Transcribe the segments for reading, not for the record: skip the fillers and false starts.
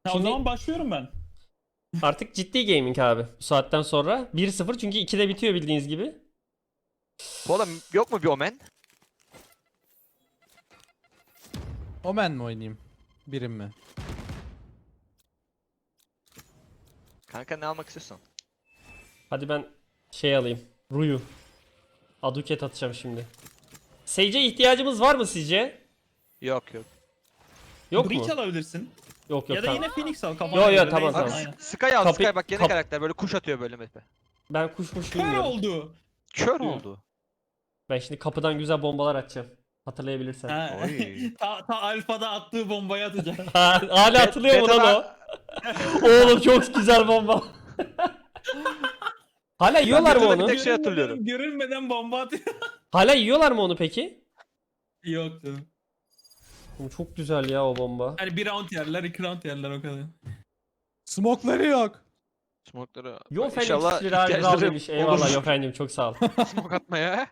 O Şimdi zaman başlıyorum ben. artık ciddi gaming abi. Bu saatten sonra 1-0 çünkü 2'de bitiyor bildiğiniz gibi. Oğlum yok mu bir Omen? Omen mi oynayayım? Birim mi? Kanka ne almak istiyorsun? Hadi ben şey alayım. Ruyu. Aduket atacağım şimdi. Sage'e ihtiyacımız var mı sizce? Yok yok. Yok Breach mu? alabilirsin. Yok yok Ya da tamam. yine Phoenix al kafana Yo, yo, göre. tamam, Neyse, tamam. aynen. Sky al Kapı- Sky bak yeni kap- karakter böyle kuş atıyor böyle mesela. Ben kuşmuş Kör bilmiyorum. oldu. Kör Hı. oldu. Ben şimdi kapıdan güzel bombalar atacağım. Hatırlayabilirsen. Ha. Oy. ta alfada attığı bombayı atacak. Hala hatırlıyor mu lan o? Oğlum çok güzel bomba. Hala yiyorlar mı Beta'da onu? bir tek şey hatırlıyorum. Görülmeden bomba atıyor. Hala yiyorlar mı onu peki? Yoktu. Oğlum çok güzel ya o bomba. Hani bir round yerler, 2 round yerler o kadar. Smoke'ları yok. Smoke'ları. Yo Felix İnşallah lira ihtiyaçları demiş. Eyvallah olur. yo efendim çok sağ ol. Smoke atmaya.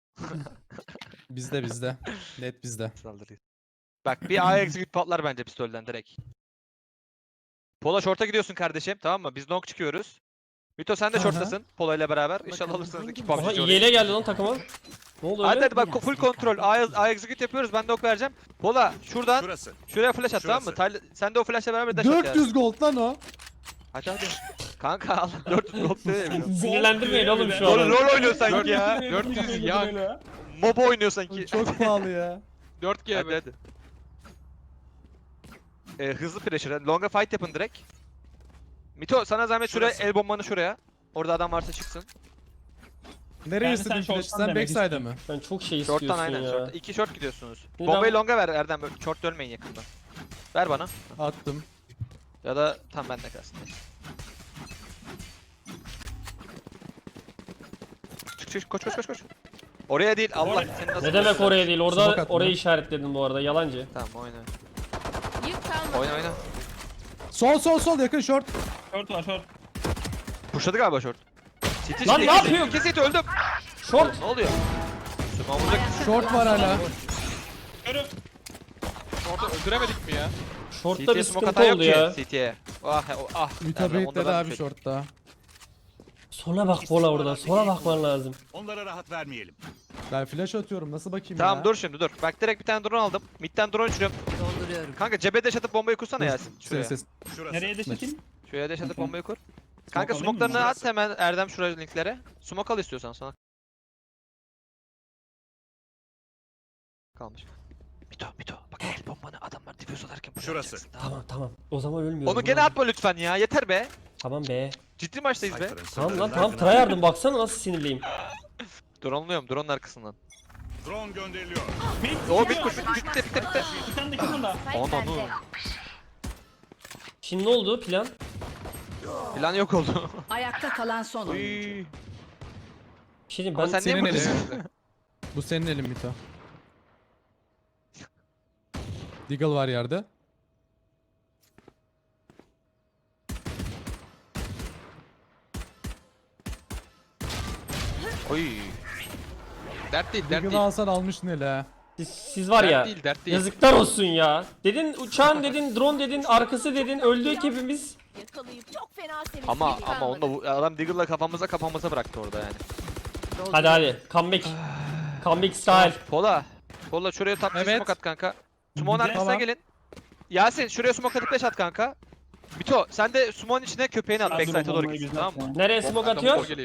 Bizde. Net bizde. Saldırıyız. Bak bir A execute patlar bence pistolden direkt. Pola short'a gidiyorsun kardeşim tamam mı? Biz long çıkıyoruz. Mito sen de Aha. short'tasın Pola ile beraber. İnşallah alırsınız iki PUBG. Aha orayı. IGL geldi lan takıma. Ne oldu Hadi öyle? hadi bak full kontrol. A execute yapıyoruz. Ben de ok vereceğim. Pola şuradan Şurası. şuraya flash at tamam mı? Şurası. Sen de o flash'la beraber dash at yani. 400 gold lan o. Hadi hadi. Kanka al 400 gold diyor ya bir de. Sinirlendirmeyin oğlum şu Rol, an. rol oynuyor sanki ya. 400 ya. MOBA oynuyor sanki. Çok pahalı ya. 4G hadi hadi. Hızlı pressure. Longa fight yapın direkt. Mito sana zahmet şuraya Şurası. el bombanı şuraya. Orada adam varsa çıksın. Nereye Yani istedin sen flash? short'tan Sen demek backside'a istiyorsun. mı? Sen çok şey Short'tan istiyorsun aynen ya. short. 2 short gidiyorsunuz. Bir Bombayı daha- longa ver Erdem. Böyle short dönmeyin yakında. Ver bana. Attım. Ya da tam bende kalsın. Çık koş koş koş koş. Oraya değil Allah seni nasıl Ne demek oraya değil? Smoke Orada atma. orayı işaretledin bu arada yalancı. Tamam oyna. Yük kalmadı. Oyna. Sol yakın short. Short var short. Pushladı galiba short. City, Lan City, ne City. yapıyor? İki City öldüm. Short. Ne oluyor? Sumamızda Short var hala. Körüm. orada öldüremedik mi ya? Short'ta bir CT'ye smoke sıkıntı atan yok oldu ki ya. CT'ye. Ah ah. Mütabeyit dedi abi shortta. Sola bak Bola orada. Sola bakman lazım. Onlara rahat vermeyelim. Ben flash atıyorum nasıl bakayım Tamam ya? dur şimdi dur. Bak direkt bir tane drone aldım. Mid'den drone uçuruyorum. Dolduruyorum. Kanka cebe dash atıp bombayı kursana Yasin. Şuraya. Ses. Şurası. Nereye de çekeyim? Şuraya dash atıp Tamam. bombayı kur. Kanka alayım mı? smoke'larını at hemen Erdem şuraya linklere. Smoke al istiyorsan sana. Kalmış. Mito bak el bombanı adamlar diffuse atarken buraya Şurası. atacaksın, tamam mı? Tamam. O zaman ölmüyorum. Onu gene atma lütfen ya yeter be. Tamam be. Ciddi maçtayız be. Cypher'ın Tamam lan sırlarını tamam. ardına- Tryhard'ım baksana nasıl sinirliyim. Drone'luyorum drone'un arkasından. Drone gönderiliyor. O bit kuş bitti. Bir tane de kim da? Onu. Şimdi ne oldu plan? Plan yok oldu. Ayakta kalan son oyuncu. Uy. Bir şey diyeyim Ama ben sen niye senin buradasın? Bu senin elin Mito. Deagle var yerde. Oy. Dert değil dert Deagle'ı değil. alsan almışsın hele ha. siz var ya. Dert değil dert değil. Yazıklar olsun ya. Dedin uçağın dedin, drone dedin, arkası dedin, öldük hepimiz. Yakalayıp çok fena sevinçli Ama onda bu adam Diggle'la kafamıza bıraktı orada yani. Hadi hadi. Comeback. Comeback style. Pola şuraya top Evet. smoke at kanka. Smoke'un Bir de- arkasına Tamam. gelin. Yasin şuraya smoke atıp flash at kanka. Mito sen de smoke'un içine köpeğini at Hazır backside'a doğru bombayı gitsin güzel tamam mı? Nereye smoke atıyor? Geleyim.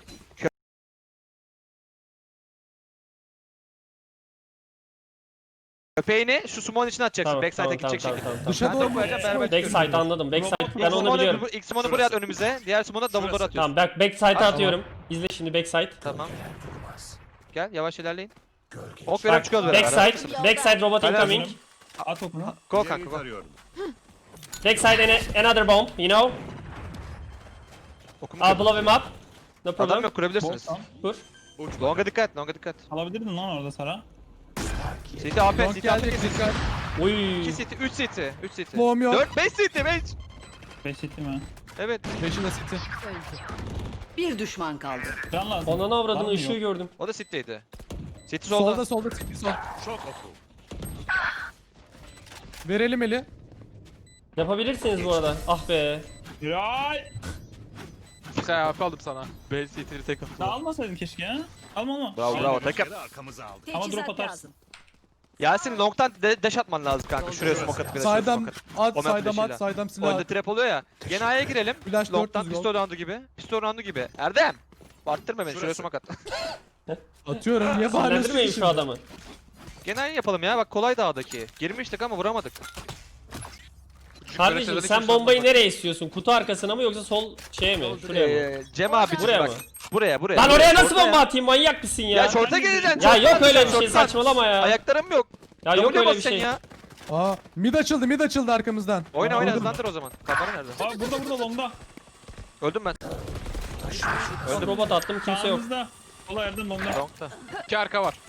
Köpeğini şu smoke'un içine atacaksın. Tamam, Backside'a tamam, gidecek tamam, şekilde. tamam, Dışa Ben de doğru mu? koyacağım beraber Backside anladım. Backside ben onu biliyorum. İlk smoke'u buraya at önümüze. Diğer smoke'u double door atıyorsun. Tamam backside'a atıyorum. İzle şimdi backside. Tamam. Gel yavaş ilerleyin. Ok veriyorum çıkıyoruz beraber. Backside. Backside robot Hala incoming. hazırım. At okunu. Go İleriyi kanka go. tarıyorum. Backside another bomb, you know. Okumu I'll kırdım. blow him up. No Adam problem. yok kurabilirsiniz. Bostan. Dur. Uç Longa dikkat, longa dikkat. Alabilirdin lan orada Sara. CT AP, Long CT AP, gelecek dikkat. Uy. 2 CT, 3 CT, 3 CT. Bomb yok. 4, 5 CT, 5. 5 hit mi? Evet, 5'i de city. Bir düşman kaldı. Can lazım. Onana Var avradın mı ışığı yok? gördüm. o da CT'ydi. CT solda. Solda city sol. Çok oku. Verelim eli. Yapabilirsiniz bu arada. Ah be. Ya. Şey AP aldım sana. Ben CT'li tek Ya almasaydın keşke ya. Alma. Bravo bravo takım. Kere arkamızı aldık. Ama drop Teçhizat atarsın. lazım. Yasin long'tan dash atman lazım kanka. Şuraya smoke atıp bir de şuraya Saydam smoke at. at, Omen saydam flash'ıyla. at, saydam silah Oyunda at. trap oluyor ya. Gene A'ya girelim. Flash Long'tan 400 pistol roundu gibi. Pistol roundu gibi. Erdem! Arttırma beni. Şuraya Şurası. smoke at. Atıyorum niye bağırıyorsun Sinirlendirmeyin ki şu şimdi? adamı. Gene aynı yapalım ya. Bak kolay dağdaki. Girmiştik ama vuramadık. Kardeşim sen bombayı nereye istiyorsun? Kutu arkasına mı yoksa sol şeye mi? Şuraya mı? Cem abi Buraya bak. mı? Buraya. Lan oraya nasıl Şorta bomba ya. atayım? Manyak mısın ya? Ya şorta geleceksin. Ya şorttan yok öyle bir atacaksın, şey, şorttan. saçmalama ya. Ayaklarım yok. Ya yok W'ye öyle bir basacaksın şey. ya. Aa mid açıldı arkamızdan. Oyna Vurdum. hızlandır o zaman. Kafana nerede? Aa burada longda. Öldüm ben. Robot attım kimse yok. Sağımızda. Sola Erdem longda. Long'da. 2 arka var.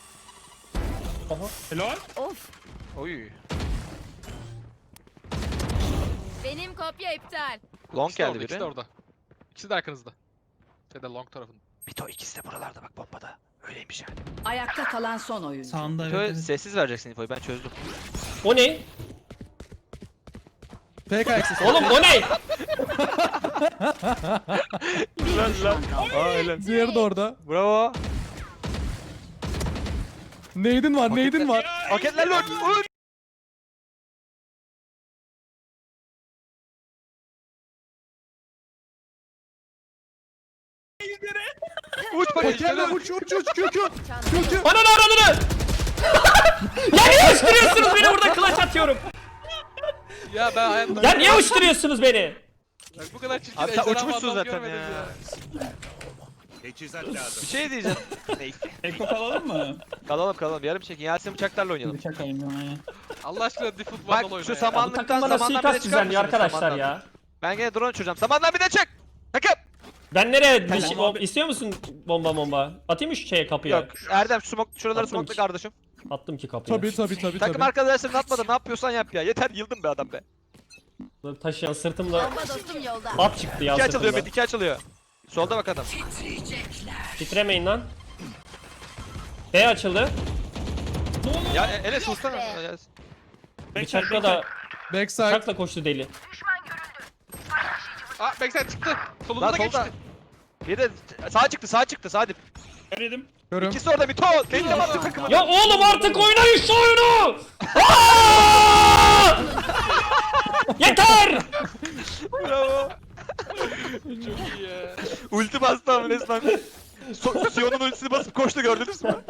Helal. Of. Oy. Benim kopya iptal. Long İkisi de orada, geldi ikisi de biri. orada. İkisi de arkanızda. Şeyde long tarafında. Bito ikisi de buralarda bak bombada. Öyleymiş yani. Ayakta kalan son oyuncu. Sağında Bito evet. sessiz vereceksin infoyu ben çözdüm. O ne? Fake access. Oğlum o ne? Bir düşman kaldı. Diğeri de orada. Bravo. Neydin var, neydin var. Paketlerle öl. Uç Paketler uç kökü. Kökü. Ananı aradını! Ya niye uçturuyorsunuz beni burada clutch atıyorum? Ya ben hayatta... Ya niye uçturuyorsunuz beni? Bak bu kadar çirkin Abi sen ejderha uçmuşsun adam zaten görmedim ya. Teçhizat lazım. Bir şey diyeceğim. Neyse. Eko kalalım mı? Kalalım yarım çekin. Yasin bıçaklarla oynayalım. Bıçak alayım ben aynen. Allah aşkına default Bak, vandal oyna şu ya. saman- Bu takım bana Samandan bir de suikast çıkar düzenliyor mısınız arkadaşlar samandan? ya. Ben gene drone uçuracağım. Samandan bir de çık. Takım. Ben nereye? Bir şey, Tamam abi. istiyor musun bomba? Atayım mı şu şeye kapıya? Yok. Erdem şuraları Attım smokla ki. kardeşim. Attım ki kapıya. Tabii. Takım arkadaşlarını atmadan ne yapıyorsan yap ya. Yeter yıldım be adam be. Taşıyan sırtımda Bomba dostum yolda. at çıktı ya İki açılıyor sırtımda. Met 2 açılıyor. Solda bak adam. Titremeyin lan. B açıldı. Ya Enes vursana. Bıçakla da Backside. bıçakla koştu deli. Aa backside çıktı. Solunda Lan da geçti. solda. Bir de sağ çıktı sağ dip. Görelim. Görüyorum. İkisi orada Mito. Kendine baktı takımı. Ya oğlum artık oynayın şu oyunu! Aa! Yeter! Bravo. Çok iyi ya. Ulti bastı abi resmen. Sion'un ultisini basıp koştu gördünüz mü?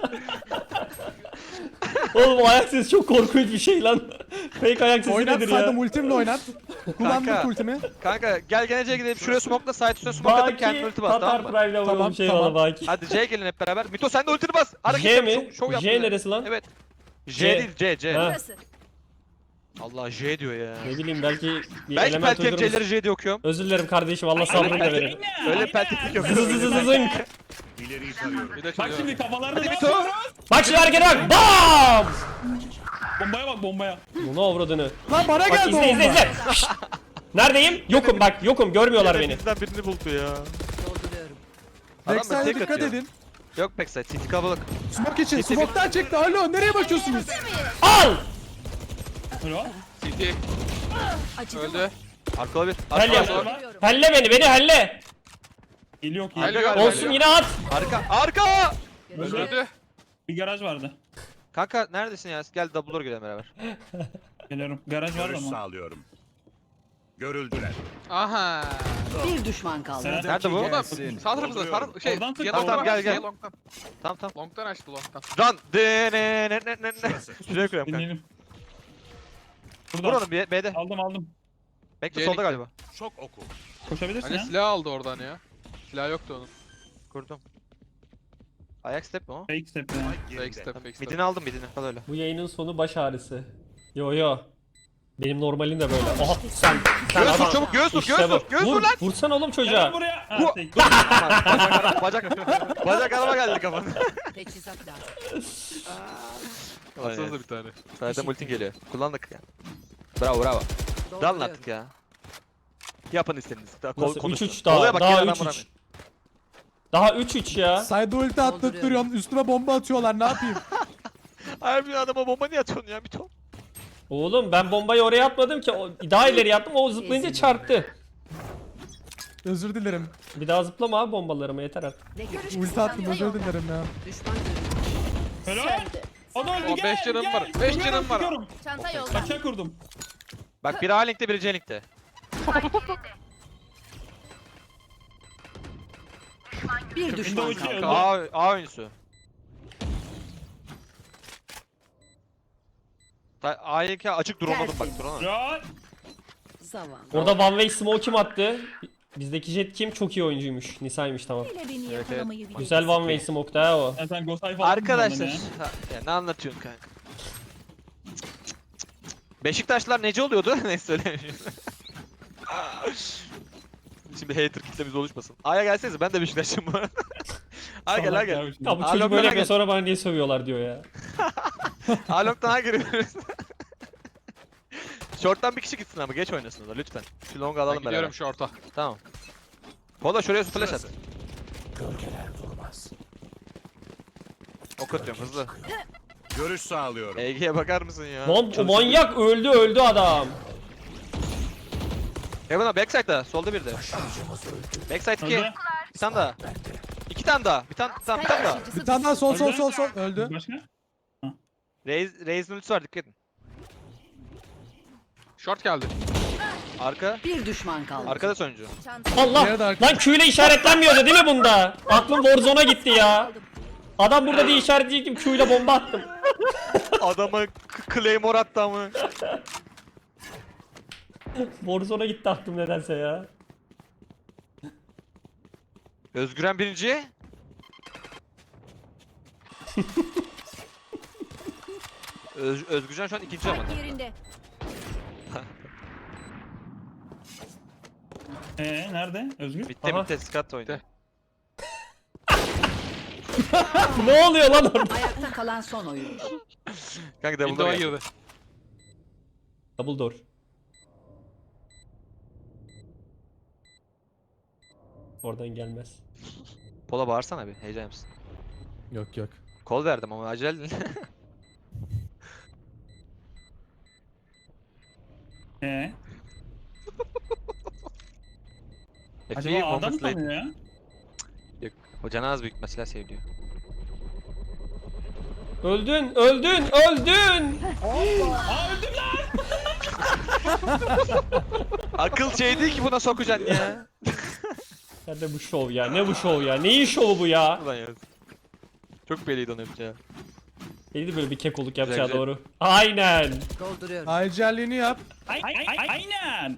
Oğlum o ayak sesi çok korkunç bir şey lan. Fake ayak sesi Oynat nedir saydım ya? ultimle oynat. Kullandık Kanka. ultimi. Kanka gel C'ye gidelim. Şuraya smoke'la side üstüne smoke atıp kendine Baki ulti bas Tatar tamam mı? Prime'le Tamam, vuralım şey tamam. valla Baki. Hadi C'ye gelin hep beraber. Mito sen de ultini bas. Hareket J yap, mi? şov yap J bize. neresi lan? Evet. J. J değil C. Ha. Burası. Allah J diyor ya. Ne bileyim belki bir Belki element belki hep uydurmuş. C'leri J diye okuyorum. Özür dilerim kardeşim Allah sabrını da verin. Öyle bir pelteklik yok. Zızızızızınk. İleriyi tarıyorum. Bir de Bak çalıyor. şimdi kafalarda Hadi ne Mito. yapıyoruz? Bak şimdi harekete bak. BAM! Bombaya bak bombaya. Bunu avradını. Lan bana Bak geldi izle o izle bomba. izle. Şşt! Neredeyim? Yokum bak yokum görmüyorlar beni. Bizden birini buldu ya. Dolduruyorum. Adam da Backside'e tek dikkat atıyor. edin. Yok backside. City kalabalık. Smoke için. Kesin. Smoke'tan çekti. Alo nereye bakıyorsunuz? Al! Helal. CT Acıdı mı? öldü. Arkalı bir. Helle. Arka. Dolduruyorum. Helle beni helle. Geliyor ki. Helle galiba. galiba. Olsun yine at. Arka. Arka. Öldü. Bir garaj vardı. Kanka neredesin ya? Gel double door gidelim beraber. Geliyorum. Garaj var Görüş ama. sağlıyorum. Görüldüler. Aha. Bir düşman kaldı. Sen- Nerede bu? O da sağ tarafımızda. Dolduruyorum. Şey, Oradan tık. yandan Tamam, gel, gel. Long'tan. Tamam tamam. Long'tan açtı long'tan. Run. Ne. Şurası. Şuraya koyalım kanka. Dinleyelim. Burada. Vuralım B'de. Aldım. Bekle C'lik. solda galiba. Şok oku. Koşabilirsin Hani ya. silah aldı oradan ya. Silah yoktu onun. Kurdum. Ayak step mi o? Fake step ya. Fake Geride. step, fake step. Midini aldım midini. Kal öyle. Bu yayının sonu baş ağrısı. Yo. Benim normalim de böyle. Aha sen Göğüs adam. vur çabuk göğüs vur İşte göğüs bu. vur. Göğüs vur Vur, lan. vursana oğlum Gel çocuğa. buraya. Ha, Bu- fake. Bacak araba geldi kafana. Teçhizat lazım. Atsanıza bir tane. Zaten ultin geliyor. Kullandık ya. Bravo. Dalın Dolduruyorum. artık ya. Yapın istediğinizi. Daha Nasıl? konuşun. 3-3 daha. Olaya bak, Daha yine adam 3-3. vuramıyor. Daha 3-3 ya. Side ulti attık duruyorsun. Üstüme bomba atıyorlar. Ne yapayım? Harbi adama bomba niye atıyorsun ya bir ton? Oğlum ben bombayı oraya atmadım ki. Daha ileri attım. O zıplayınca çarptı. Özür dilerim. Bir daha zıplama abi bombalarıma yeter artık. Ne görüş Ulti attım özür dilerim ya. Düşman görüldü. Helal. O da öldü O gel. 5 canım gel. var. 5 Vuruyorum, canım var. vuruyorum. Çanta yolda. Kaça kurdum. Bak biri A-Link'te biri C-Link'te. Bir düşman Windows kaldı. öldü. A oyuncusu. A-Link'e açık duramadım bak duramadım. Ya. Zavallı. Orada one way smoke kim attı? Bizdeki jet kim? Çok iyi oyuncuymuş. Nisa'ymış tamam. Hele beni evet. yakalamayı bil. Güzel one way smoke da o. Sen Gosay falan Arkadaşlar. kullandın ya. Ya ne anlatıyorsun kanka? Beşiktaşlılar nece oluyordu? Neyse söylemiyorum. Şimdi hater kitlemiz oluşmasın. A'ya gelsenize ben de Beşiktaşlıyım bu arada. A'ya gel Salak gel. ya. Ya bu Aa, çocuk Lokman'a böyle gel. yapıyor sonra bana niye sövüyorlar diyor ya. Along'dan A giriyoruz. Short'tan bir kişi gitsin ama geç oynasın o da lütfen. Şu long'u Ben alalım beraber. gidiyorum short'a. Tamam. Pola şuraya su flash at. Ok atıyorum hızlı. Görüş sağlıyorum. EG'ye bakar mısın ya? Lan o manyak öldü adam. Heaven'a backside'da solda bir de. Backside 2. Öldü. Bir tane daha. 2 tane daha. Bir tane daha. Bir tane daha sol sol sol sol öldü. Başka? Raze'in ultisi var dikkat edin. Short geldi. Arka. Bir düşman kaldı. Arkada sonuncu. Allah! Diğeri de arka. Lan Q ile işaretlenmiyordu değil mi bunda? Aklım Warzone'a gitti ya. Adam burada diye işaretleyecektim Q ile bomba attım. Adama Claymore attı ama. Warzone'a gitti aklım nedense ya. Özgüren birinci. Özgürcan şu an ikinci ama. Yerinde. Nerede? Özgür? Bitti Aha. bitti Scott oynuyor. Ne oluyor lan orada? Ayakta kalan son oyuncu. Kanka double Window'a door. girdi. Double door. Oradan gelmez. Pola bağırsana bir heyecan yapsın. Yok yok. Kol verdim ama acele. Acaba adam mı tanıyor ya? O canaz büyük mesela seviliyor. Öldün, öldün, öldün. Akıl şey değil ki buna sokacaksın ya. Ya ne bu şov ya? Ne bu şov ya? Neyin şovu bu ya? Ulan ya. Çok belliydi onu yapacağı. Neydi böyle bir kekoluk yapacağı Güzel, güzel. doğru. Aynen. Dolduruyorum. Ayrıcalığını yap. Aynen.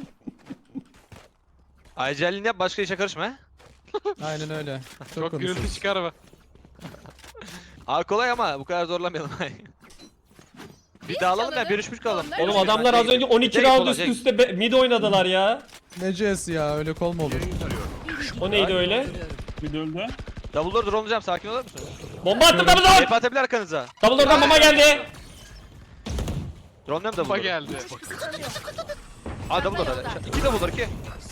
Ayrıcalığını yap başka işe karışma he. Aynen öyle. Çok Çok konuşuyoruz. gürültü çıkar be. Aa kolay ama bu kadar zorlamayalım. Bir daha alalım ya 1-3 kalalım. Oğlum adamlar az önce 12 Direkt round olacak. üst üste mid oynadılar ya. Ne CS ya öyle kol mu olur? O neydi öyle? Bir de öldü. Double door drone'layacağım sakin olur musun? Bomba attım double door. Hep atabilir arkanıza. Double door'dan bomba geldi. Drone'layalım double Bomba door. geldi. Aa double door hadi. 2 double door 2.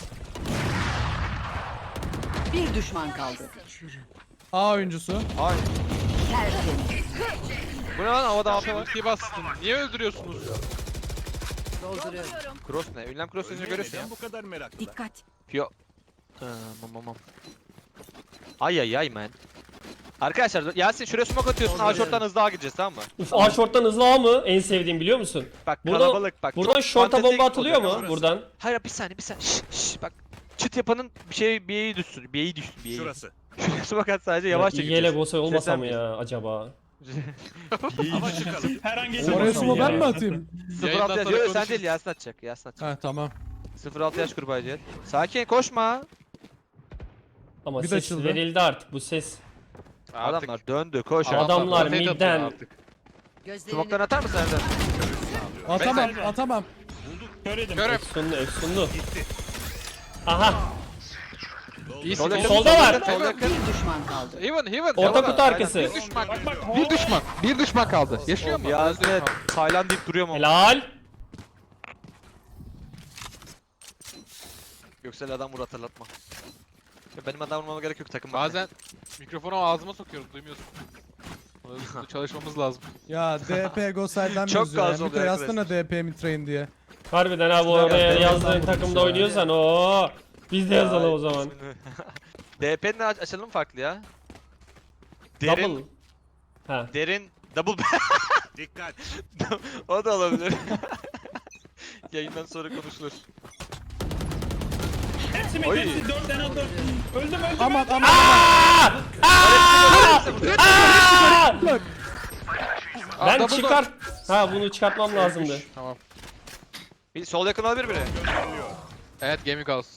Bir düşman kaldı. A oyuncusu. Ay. Tertemiz. Bu ne lan havada AP var. Ultiyi bastın. Niye öldürüyorsunuz? Dolduruyorum. Cross ne? Ünlem cross sözünü görüyorsun ya. Neden bu kadar meraklı? Dikkat. Yo. Mam. Ay ay ay man. Arkadaşlar Yasin şuraya smoke atıyorsun. A short'tan hızlı A gideceğiz tamam mı? Uf A short'tan hızlı A mı? En sevdiğim biliyor musun? Bak Buradan- kalabalık bak. Buradan çok short'a fantastik bomba atılıyor olacak mu? ama. Buradan. Hayır bir saniye. Şşş bak. Çıt yapanın bir yere düşsün. Bir yere. Şurası. Şuraya smoke at sadece yavaşça İyi gideceğiz. ele Gosay olmasa mı Seslenmeyin. ya acaba? Hava çıkalım. Her an geçemez. Oraya sumo ben mi atayım? 06 yaş. sonra Yok sen konuşuruz. değil Yasin atacak. Yasin atacak. Ha tamam. 06 yaş kurbağa Cihat. Sakin koşma. Ama Bir de ses açıldı. verildi artık bu ses. Artık Adamlar döndü koş. Adamlar rotate atıyor midden. artık. Gözlerini Smoke'tan atar mısın Erdem? Atamam Bekle. atamam. Kör yedim. Görüm. Efsunlu efsunlu. Aha İyisin. Solda- solda var. Solda yakın. bir düşman kaldı. Heaven. Orta Aynen. kutu arkası. Bir düşman. Bak bak. Bir düşman kaldı. Yaşıyor Oğlum mu? Yasin Tayland deyip duruyor mu? Helal. Göksel adam vur hatırlatma. Ya benim adam vurmama gerek yok takım. bakma. Bazen mikrofonu ağzıma sokuyoruz duymuyorsun. Bunu çalışmamız lazım. Ya DP Gosel'den Çok yazıyor. gaz Ya. oluyor Mito yazsana arkadaşlar. DP mi train diye. Harbiden abi Şuraya oraya bak, yazdığın yazdan takımda vurmuş ya. oynuyorsan o biz de yazalım o zaman. DP'nin açalım farklı ya. Derin, Double. Ha. derin, double Dikkat. o da olabilir. Yayından sonra konuşulur. Hepsi mi? Oy. Hepsi 4 en az 4. Öldüm. Aman aman. Bak. Ben double çıkar. Ha bunu çıkartmam lazımdı. Tamam. Bir sol yakın olabilir biri. Evet Gaming House.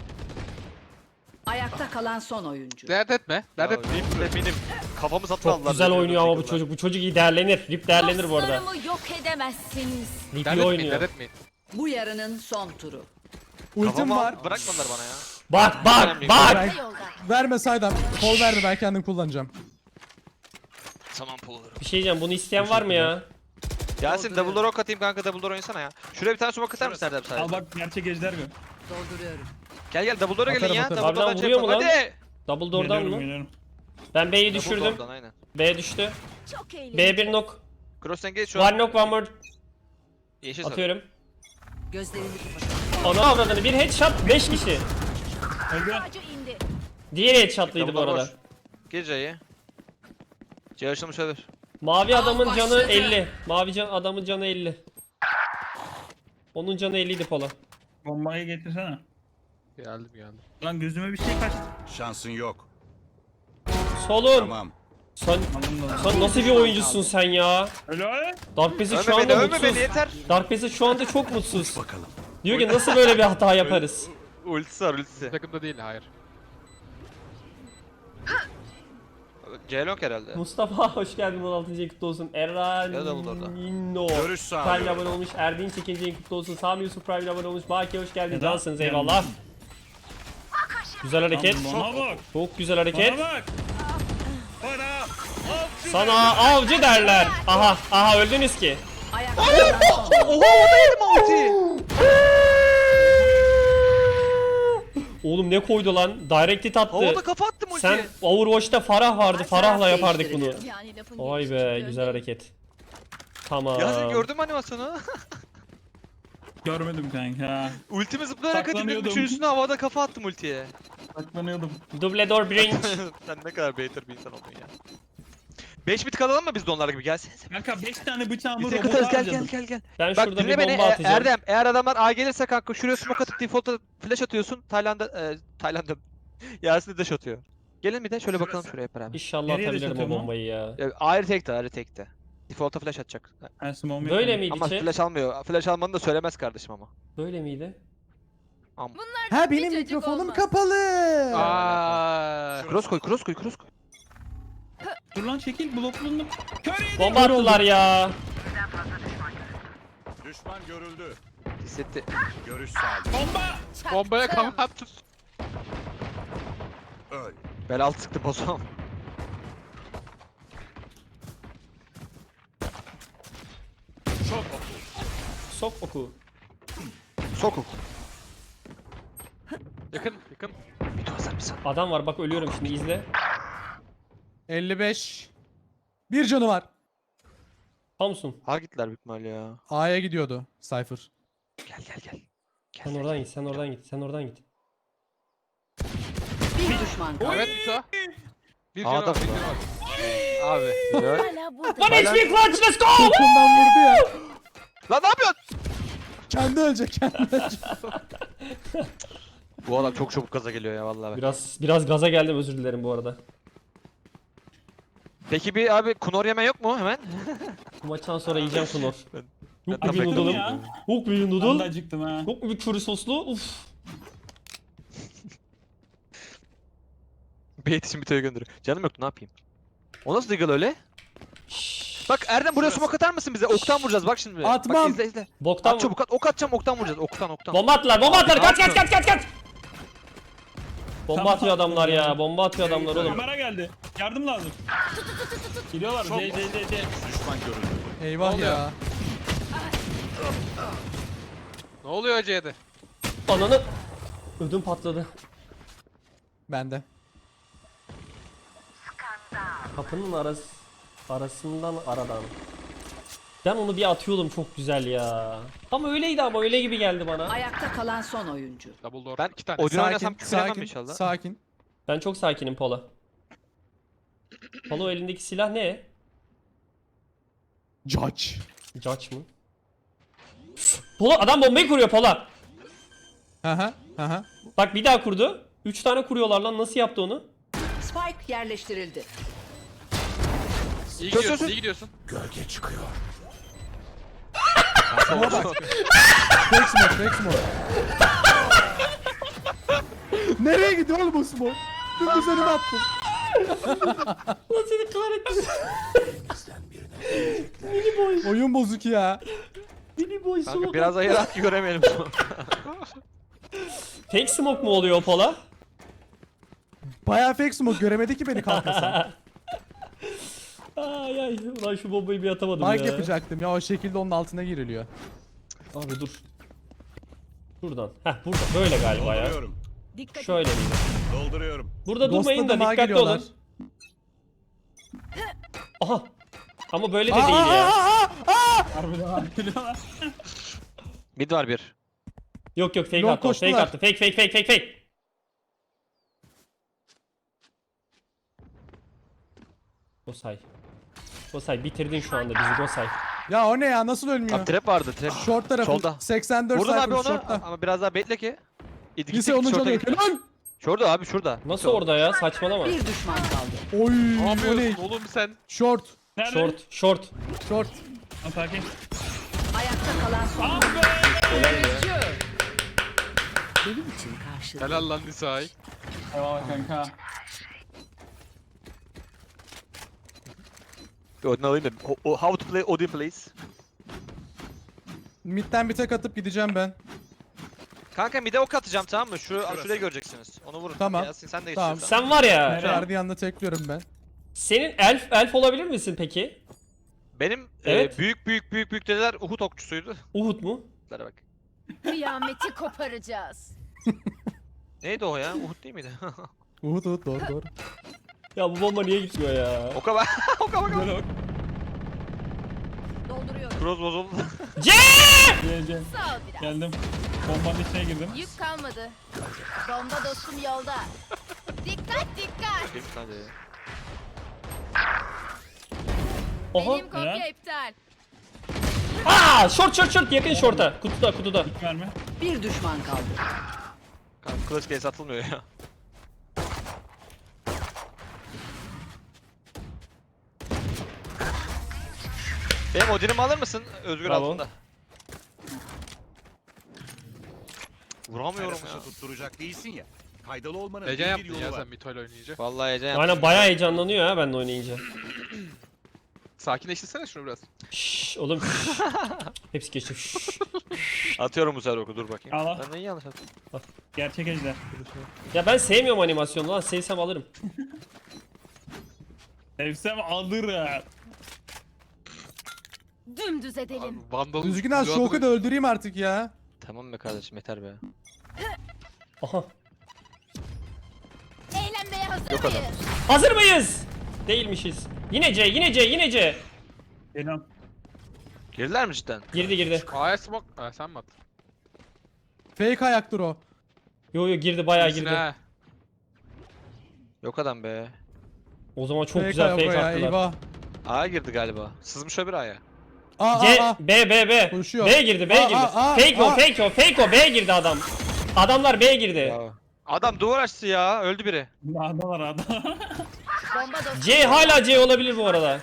Ayakta kalan son oyuncu. Dert etme. Dert etme. Benim kafamı satın Çok aldılar. güzel benim oynuyor ama bu yakında. çocuk. Bu çocuk iyi değerlenir. Rip değerlenir bu arada. Dostlarımı yok edemezsiniz. Rip Dert iyi etmeyin. oynuyor. Dert etmeyin. Bu yarının son turu. Ultim Kafamı var. bırakmadılar bana ya. Bak bak bak. Ben, Yolda. verme Saydam. Kol verme ben kendim kullanacağım. Tamam pul olurum. Bir şey diyeceğim. Bunu isteyen var mı ya? Yasin double rock atayım kanka, double door oynasana ya. Şuraya bir tane smoke atar mısın Erdem Al sadece? bak gerçek ejder mi? Dolduruyorum. Gel double door'a gelin Atarım, ya. atarım. Double door'dan Harbiden vuruyor mu yapalım. lan? Hadi. Double door'dan mı? Geliyorum. Ben B'yi Double düşürdüm. door'dan, aynen. B düştü. Çok eğlenceli. B1 knock. Cross engage şu an. One knock one more. Yeşil sarı. Atıyorum. Gözlerini kapatalım. Ana avradını bir headshot 5 kişi. Öldü. Ağacı indi. Diğeri headshotlıydı bu Double door arada. boş. Gir C'ye. C açılmış olabilir. Mavi adamın canı başladı. 50. Adamın canı 50. Onun canı 50 idi Pola. Bombayı getirsene. Geldim geldim. Lan gözüme bir şey kaçtı. Şansın yok. Solun. Tamam. Sen, Aldım da. sen nasıl bir oyuncusun sen ya? Helal. Dark Passage şu Ölme beni, anda ölme beni mutsuz. yeter. Dark Passage şu anda çok mutsuz. Bakalım. Diyor ki nasıl böyle bir hata yaparız? Ultisi var ultisi. Takımda değil hayır. C-Long herhalde. Mustafa hoş geldin 16. ayın kutlu olsun. Ya da bu da orada. Erranino. Görüş Prime sağlıyorum. abone olmuş. Erdinç 2. ayın kutlu olsun. Sami Yusuf Prime abone olmuş. Baki hoş geldin. Neden? Cansınız eyvallah. Güzel hareket. Bana bak. Çok güzel hareket. Bana bak. Bana. Sana avcı derler. Aha aha öldünüz ki. Ayakta kalan son oyuncu. Oha o da yedim ulti. Oğlum ne koydu lan? Direct hit attı. Havada kafa attım ultiye. Sen Overwatch'ta Farah vardı. Farah'la yapardık bunu. Yani lafın Vay gelişi be çıkıyor. güzel hareket. Tamam. Ya sen gördün mü animasyonu? Görmedim kanka. Ultimi zıplayarak atayım dedim. Saklanıyordum. Üçüncüsüne havada kafa attım ultiye. Saklanıyordum. Double door bridge. Sen ne kadar beter bir insan oldun ya. 5 bit kalalım mı biz de onlar gibi? Gelsenize. Kanka 5 tane bıçağımı Biz robota yakıtarız gel harcadım. gel. Ben Bak şurada dinle bir beni bomba atacağım. Erdem. Eğer adamlar A gelirse kanka şuraya smoke atıp default'a flash atıyorsun. Tayland'a Yasin de dash atıyor. Gelin bir de şöyle bakalım şuraya hep beraber. İnşallah Nereye atabilirim o satıyorum lan? bombayı ya. Ya, ayrı tekte. Default'a flash atacak. Ha, smoke'um Böyle yok. miydi Ama chat? flash almıyor. Flash almanı da söylemez kardeşim ama. Böyle miydi? Ha benim çocuk mikrofonum olmaz. kapalı. Aa. Cross koy. Dur lan çekil bloklandım. Kör yedim. Bomba attılar ya. Düşman görüldü. Hissetti. Görüş sağlıyorum. Bomba. Bombaya kafa attın. Öl. Bel altı sıktı bozum. Sok oku. Sokuk. Yakın yakın. Bir hazır mısın? Adam var bak ölüyorum şimdi izle. 55. Bir canı var. Hamsun. Ha gittiler büyük ihtimalle ya. A'ya gidiyordu Cypher. Gel. Sen oradan git, sen oradan git, sen oradan git. Bir düşman kaldı. Evet Mito. Bir Aa, canı var. da- Bir canı var. Abi. Güzel. Hala burada. One HP clutch let's go! Yakından vurdu ya. Lan ne yapıyorsun? Kendi ölecek kendi ölecek. Bu adam çok çabuk gaza geliyor ya vallahi. Biraz gaza geldim özür dilerim bu arada. Peki bir abi kunor yeme yok mu hemen? Bu maçtan sonra yiyeceğim Kunor. Yok tam mu bir bekledim noodle'ım? ya. Yok mu bir Ben de noodle? acıktım ha. Yok mu bir köri soslu? Uf. Bir için bitoya gönderiyor. Canım yoktu ne yapayım? O nasıl deagle öyle? Şşş. Bak Erdem buraya smoke atar mısın bize? Oktan vuracağız bak şimdi. Atmam. Bak izle. Boktan At çabuk at. Ok atacağım oktan vuracağız. Oktan. Bomba attılar, bomba attılar. Kaç Attım. kaç. Bomba Tamam, atıyor adamlar ya. ya. Bomba atıyor adamlar oğlum. Kamera geldi. Yardım lazım. Geliyorlar. Çok- C. Düşman görüldü. Eyvah oluyor? ya. Ne oluyor C'de? Ananı. Ödüm patladı. Bende. Kapının arası. Arasından aradan. Ben onu bir atıyordum çok güzel ya. Tam öyleydi ama öyle gibi geldi bana. Ayakta kalan son oyuncu. Double door. Ben 2 tane. Odin oynasam küfür yemem sakin, inşallah. sakin. Ben çok sakinim Pola. Pola elindeki silah ne? Judge. Judge mı? Pola adam bombayı kuruyor Pola. Aha, aha. Bak bir daha kurdu. 3 tane kuruyorlar lan, nasıl yaptı onu? Spike yerleştirildi. İyi gidiyorsun, iyi gidiyorsun. Fake smoke. Nereye gidiyor oğlum bu smoke? Dümdüz önüme attın. Lan seni kahretsin. Oyun bozuk ya. Mini boy Kanka smoke. biraz ayırarak göremeyelim. Fake smoke mu oluyor o Pola? Bayağı fake smoke göremedi ki beni kalkmasam. Ay ay, ulan şu bombayı bir atamadım Mike ya. yapacaktım ya, o şekilde onun altına giriliyor. Abi dur. Şuradan. Heh burada böyle galiba ya. Dolduruyorum. Dikkat et. Şöyle miydi? Dolduruyorum. Burada durmayın da Ghostladım, ha dikkatli geliyorlar. olun. Aha. Ama böyle de değil ya. Harbiden abi geliyorlar. Mid var bir. Yok yok, fake Long attı o, fake koştular. attı. Fake. Gosay. Gosay bitirdin şu anda bizi Gosay. Ya o ne ya, nasıl ölmüyor? Abi trap vardı trap. Short tarafı Solda. 84 Vurdun abi sayfa onu shortta. ama biraz daha bekle ki. Lise 10. canı yok. Helal. Şurada abi şurada. Nasıl orada ya, saçmalama. Bir düşman kaldı. Oy, Ne o ne? yapıyorsun oğlum sen? Short. Nerede? Short. Short. Ha, sakin. Ayakta kalan son Ah be! benim için karşı. Helal lan Nisa'yı. Eyvallah kanka. Odin alayım da. How to play Odin please. Mid'den bir tek atıp gideceğim ben. Kanka mid'e ok atacağım tamam mı? Şurayı göreceksiniz. Onu vurun. Tamam. Yasin sen de Tamam. geçiyorsun. Sen var ya. Nereye? Guardian'la tekliyorum ben. Senin elf olabilir misin peki? Benim Evet. büyük dedeler Uhud okçusuydu. Uhud mu? Bunlara bak. Kıyameti koparacağız. Neydi o ya? Uhud değil miydi? Uhud doğru. Ya bu bomba niye gitmiyor ya? Oka bak. Oka bak. Böyle bak. Dolduruyorum. Cross bozuldu. Geleceğim. Sağ ol biraz. Geldim. Bombanın içine girdim. Yük kalmadı. Bomba dostum yolda. Dikkat. Hadi. Oha. Benim kopya Helal. iptal. Aa, short yakın short'a. Kutuda. İlk verme. Bir düşman kaldı. Kanka clutch case atılmıyor ya. Benim Odin'imi alır mısın? Özgür Bravo. altında. Vuramıyorum ya. Terapisi tutturacak değilsin ya. Faydalı olmanın Heyecan bir yaptın yolu ya var. sen Mito'yla oynayınca. Vallahi heyecan yaptım. Aynen bayağı heyecanlanıyor ha ben de oynayınca. Sakinleştirsene şunu biraz. Şşş oğlum. Şşş. Hepsi geçti. Şşş. Atıyorum bu sefer oku dur bakayım. Al al. Ben neyi yanlış attım? Gerçek ejder. Ya ben sevmiyorum animasyonu lan. Sevsem alırım. Sevsem alırım. Dümdüz edelim. Vandal. Düzgün az şu oku da öldüreyim artık ya. Tamam be kardeşim yeter be. Aha. Eğlenmeye hazır Yok mıyız? adam. Hazır mıyız? Değilmişiz. Yine C. Geliyorum. Girdiler mi cidden? Girdi. A'ya smoke. Ha sen mi attın? Fake ayaktır o. Yo girdi bayağı İyisin girdi. ha. Yok adam be. O zaman çok Fake güzel ayak o fake ya, attılar. eyvah. A'ya girdi galiba. Sızmış öbür A'ya. C, B. Koşuyor. B girdi. Fake o, B girdi adam. Adamlar B girdi. Bravo. Adam duvar açtı ya. Öldü biri. Ada var ada. Bomba dostum. C hala C olabilir bu arada.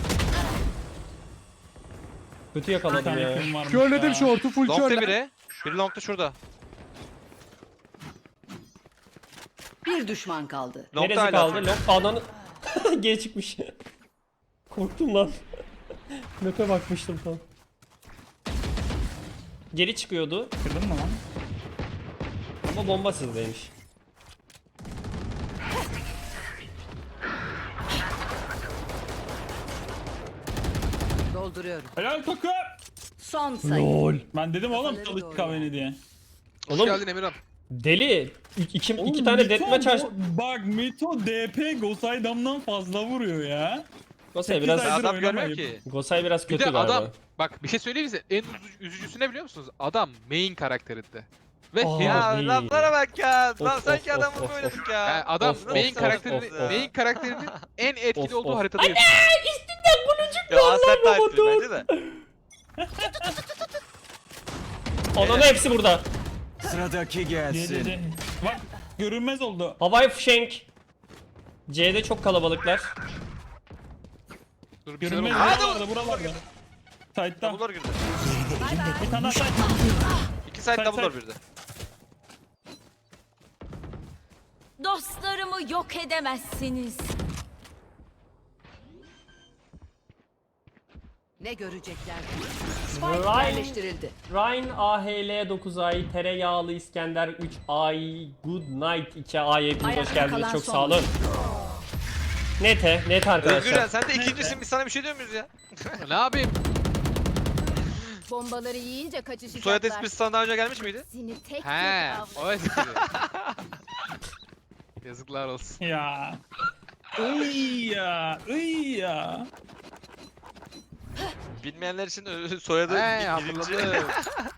Kötü Bir yakaladım tane ya. kim varmış Körledim ya. short'u full Long'da körle. biri. Biri long'da şurada. Bir düşman kaldı. Long'da Neresi hala. kaldı? Long ananı... Geri çıkmış. Korktum lan. Map'e bakmıştım tam. Geri çıkıyordu Kırdın mı lan? ama bomba sizdeymiş. Dolduruyorum. Helal takım. Son sayı. LOL. Ben dedim oğlum Kafaları çalış doğru. kahveni diye. Hoş Oğlum geldin Emirhan. deli. İki Oğlum, tane Mito deathmatch aç. Bak Mito DP Gosaydam'dan fazla vuruyor ya. Gosay Sekiz biraz aydır Adam görmüyor oynamayıp. ki. Gosay biraz Bir kötü de galiba. adam bak bir şey söyleyeyim size. En üzücüsü ne biliyor musunuz? Adam main karakterinde. Ve Aa. Ya Abi. laflara bak ya. Lan Of, sanki of, adamı of, oynadık of. ya. yani adam Of, main of, karakterini of, of. main karakterinin en etkili Of, olduğu of. haritada yaşıyor. Ya Asep Knight'tır bence de. Onun hepsi burada. Sıradaki Geldi. Bak görünmez oldu. Havai fişenk. C'de çok kalabalıklar. Dur bir şeyler Görünmez oluyor. buralarda buralarda. Side'da. Double'lar girdi. Bir tane side. 2 side Side, double'lar side. birde. Dostlarımı yok edemezsiniz. Ne görecekler? Ryan- Spike yerleştirildi. Ryan AHL 9 ay, Tereyağlı İskender 3 ay, Good Night 2 ay. Hepiniz hoş Ayakta geldiniz. kalan Çok son. sağ olun. Net Özgürcan arkadaşlar. sen de ikincisin biz sana bir şey diyor muyuz ya? Ne yapayım? Bombaları yiyince kaçışacaklar. Soyad esprisi sana daha önce gelmiş miydi? Seni tek tek He, avlarım. o espri. Yazıklar olsun. Ya. Iy ya. Iy ya. Bilmeyenler için soyadı He, birinci. hatırladım.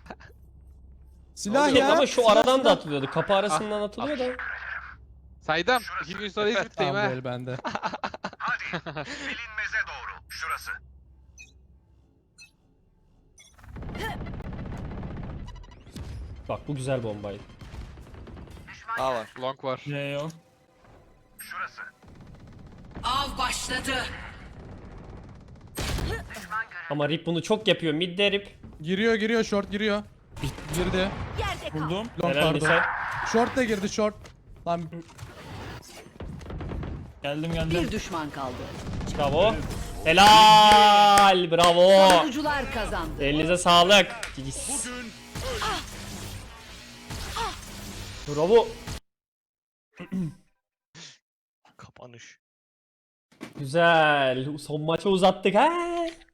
Silah Yok ya. ama şu silah, aradan da silah. atılıyordu. Kapı arasından atılıyor da. Saydam. 2 gün sonra İzmit'teyim Tamam ha. böyle bende. Bilinmeze doğru. Şurası. Bak bu güzel bombaydı. A var. Long var. C yok. Şurası. Av başladı. Ama Rip bunu çok yapıyor. Mid'de Rip. Giriyor short giriyor. Girdi. Yerde kal. Buldum. Long Helal pardon. Nisa. Short da girdi short. Lan Geldim. Bir düşman kaldı. Bravo. Helal. Bravo. Savunucular kazandı. Elinize sağlık. Bravo. Kapanış. Güzel. Son maçı uzattık ha.